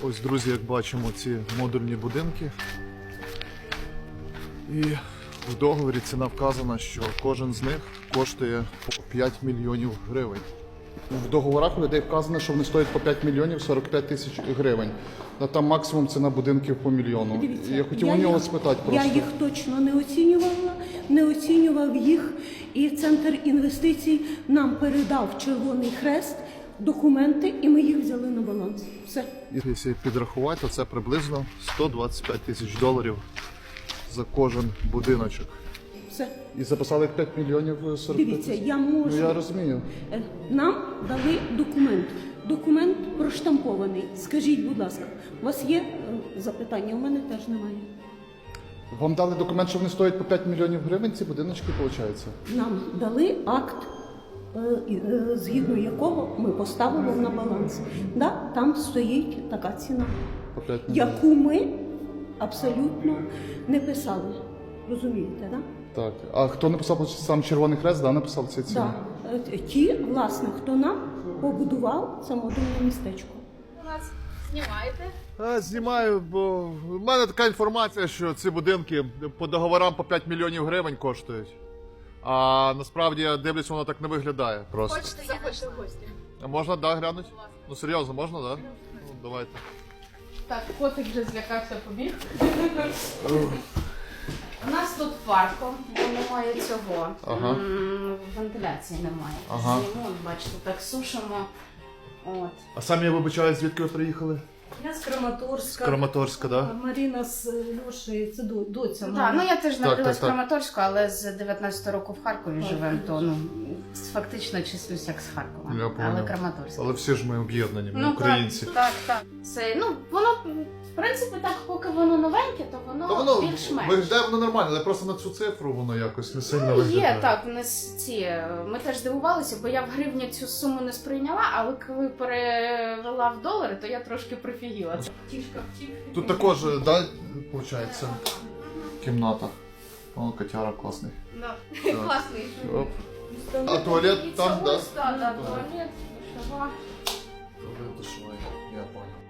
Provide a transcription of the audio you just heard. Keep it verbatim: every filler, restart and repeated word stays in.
Ось, друзі, як бачимо, ці модульні будинки. І в договорі ціна вказана, що кожен з них коштує по п'ять мільйонів гривень. В договорах у людей вказано, що вони стоять по п'ять мільйонів сорок п'ять тисяч гривень. А там максимум ціна будинків по мільйону. Дивіться, І я хотів я у нього їх- спитати просто. Я їх точно не оцінювала, не оцінював їх. І Центр інвестицій нам передав Червоний Хрест документи, і ми їх взяли на баланс. Все. І Якщо підрахувати, то це приблизно сто двадцять п'ять тисяч доларів за кожен будиночок. Все. І записали п'ять мільйонів сорок п'ять Дивіться, тисяч. я можу. Ну я розумію. Е, Нам дали документ. Документ проштампований. Скажіть, будь ласка, у вас є е, запитання? У мене теж немає. Вам дали документ, що вони стоять по п'ять мільйонів гривень, ці будиночки, виходить? Нам дали акт, е, і, е, згідно якого ми поставили на баланс. Да, там стоїть така ціна, По п'ять мільйонів. яку ми абсолютно не писали. Розумієте, да? Так. А хто написав, сам Червоний Хрест, да, написав ці ціни? Да. Е, Ті, власне, хто нам побудував це модульне містечко. У нас знімаєте? А, знімаю, бо в мене така інформація, що ці будинки по договорам по п'ять мільйонів гривень коштують. А насправді я дивлюсь, воно так не виглядає просто. Хочете заходьте в гості? А можна, да, глянуть? Ну серйозно, можна, да? Ну, давайте. Так, котик вже злякався, побіг. У нас тут парко, бо немає цього. Ага. М, Вентиляції немає. Ага. Зиму, бачите, так сушимо. От. А самі я вибачаю, звідки ви приїхали? Я з Краматорська. З Краматорська, да? Маріна з Льошею, це до- доця. Так, моя. ну я теж народилась в так. Краматорську, але з дев'ятнадцятого року в Харкові живемо, то ну фактично числюсь як з Харкова. Я понял. Але Краматорська. Але всі ж ми об'єднані, ми Ну українці. так, так, так. Це, ну, воно, в принципі, так, поки воно новеньке, то воно, Та воно більш-менш. виглядає воно нормально, але просто на цю цифру воно якось не сильно Ну, виглядає. є, так, не с- ці. Ми теж здивувалися, бо я в гривні цю суму не сприйняла, але коли перевела в долари, то я трошки прифігіла. Тішка втік. Тут також, да, виходить, кімната. О, котяра класний. Да. Так. Класний. Оп. А туалет І там, це да? ось, так, так, туалет, душова. Туалет душовий, я понял.